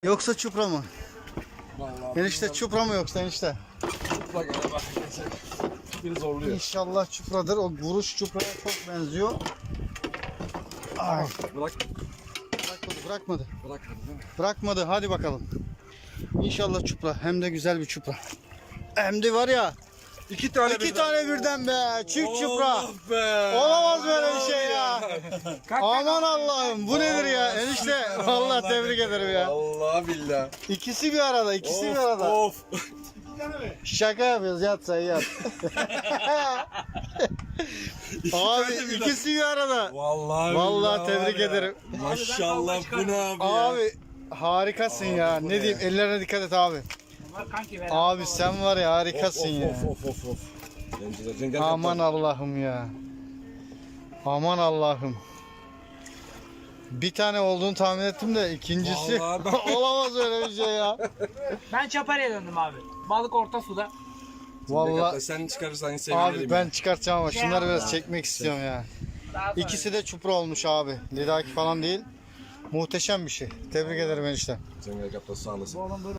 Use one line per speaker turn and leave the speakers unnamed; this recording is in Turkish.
Yoksa çupra mı?
Vallahi
Enişte çupra mı yoksa enişte?
çupra gene bak. Bir zorluyor.
İnşallah çupradır. O vuruş çupraya çok benziyor. Ay,
Bırak.
bırakmadı.
Bırakmadı değil mi?
Bırakmadı. Hadi bakalım. İnşallah çupra. Hem de güzel bir çupra. Hem de var ya.
İki tane
İki tane birden be. Çift çupra.
Allah be.
Olamaz böyle bir şey ya. Aman Allah'ım. Bu nedir ya? Enişte. Vallahi tebrik ederim ya.
Allah billah.
İkisi bir arada. İkisi bir arada.
Of.
Şaka yapıyoruz. Yat sen yat. Abi ikisi bir arada.
Vallahi
Vallahi
billahi
tebrik
var ya.
ederim.
Maşallah bu ne abi ya?
Abi harikasın ya.
bu
Ne
ne
diyeyim?
ya?
Ellerine dikkat et abi.
Kanki
Abi sen var ya harikasın ya.
Of. Zenciler, cengar
Aman
kaptan.
Allah'ım ya. Aman Allah'ım. Bir tane olduğunu tahmin ettim de ikincisi
Vallahi ben-
olamaz öyle bir şey ya.
Ben Çaparı'ya döndüm abi. Balık orta suda.
Cengar kaptan,
Vallahi
sen çıkarırsan sevinirim.
abi ben çıkartacağım ama şunları biraz
Ya.
çekmek istiyorum ya.
Daha sonra.
İkisi de çupra olmuş abi. Lidaki falan değil. Muhteşem bir şey. Tebrik ederim enişte.
Cengar kaptan sağ olasın.